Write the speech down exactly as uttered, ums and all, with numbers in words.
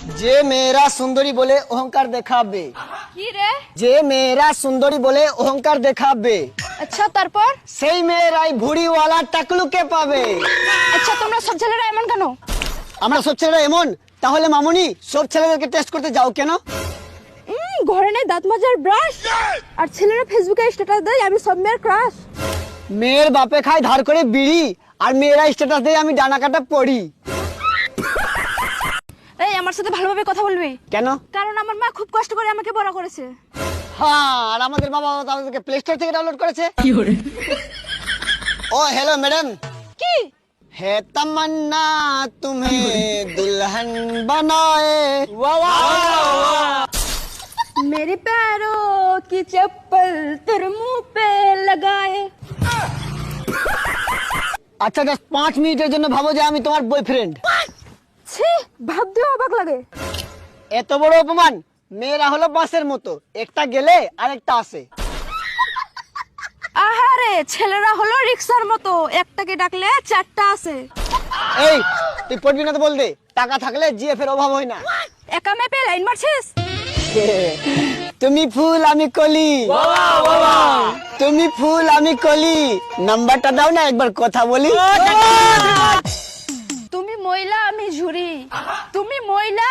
যে মেয়েরা সুন্দরী বলে অহংকার দেখাবে। কি রে? যে মেয়েরা সুন্দরী বলে অহংকার দেখাবে, আচ্ছা তারপর? সেই মেয়েরাই ভুড়িওয়ালা টাকলুকে পাবে। আচ্ছা তোমরা সব ছেলেরা এমন কেন? আমরা সব ছেলেরা এমন? তাহলে মামুনি সব ছেলেদেরকে টেস্ট করতে যাও কেন? উম, ঘরে নেই দাঁত মাজার ব্রাশ, আর ছেলেরা ফেসবুকে স্ট্যাটাস দেয় আমি সব মেয়ের ক্রাশ। মেয়ের বাপে খায় ধার করে বিড়ি, আর মেয়েরা স্ট্যাটাস দেয় আমি ডানা কাটা পড়ি। এই আমার সাথে ভালোভাবে কথা বলবি, কেন? কারণ আমার মা খুব কষ্ট করে আমাকে বড় করেছে। হ্যাঁ, আর আমাদের বাবা আমাদেরকে প্লে স্টোর থেকে ডাউনলোড করেছে। ও হ্যালো ম্যাডাম। কি? है तमन्ना तुम्हें दुल्हन बनाए। वाह वाह। मेरे पैरों की चप्पल तेरे मुंह पे लगाए। আচ্ছা জাস্ট পাঁচ মিনিটের জন্য ভাবো যে আমি তোমার বয়ফ্রেন্ড। ছি, ভাবতেও অবাক লাগে। এত বড় অপমান। মেয়েরা হলো বাসের মতো, একটা গেলে আরেকটা আসে। আহারে, ছেলেরা হলো রিক্সার মতো, একটাকে ডাকলে চারটা আসে। এই তুই পড়বি না তো বল দে, টাকা থাকলে জিএফ এর অভাব হয় না। একা মেপে লাইন মারছিস? তুমি ফুল আমি কলি, তুমি ফুল আমি কলি, নাম্বারটা দাও না একবার কথা বলি। তুমি মহিলা আমি ঝুরি, তুমি মহিলা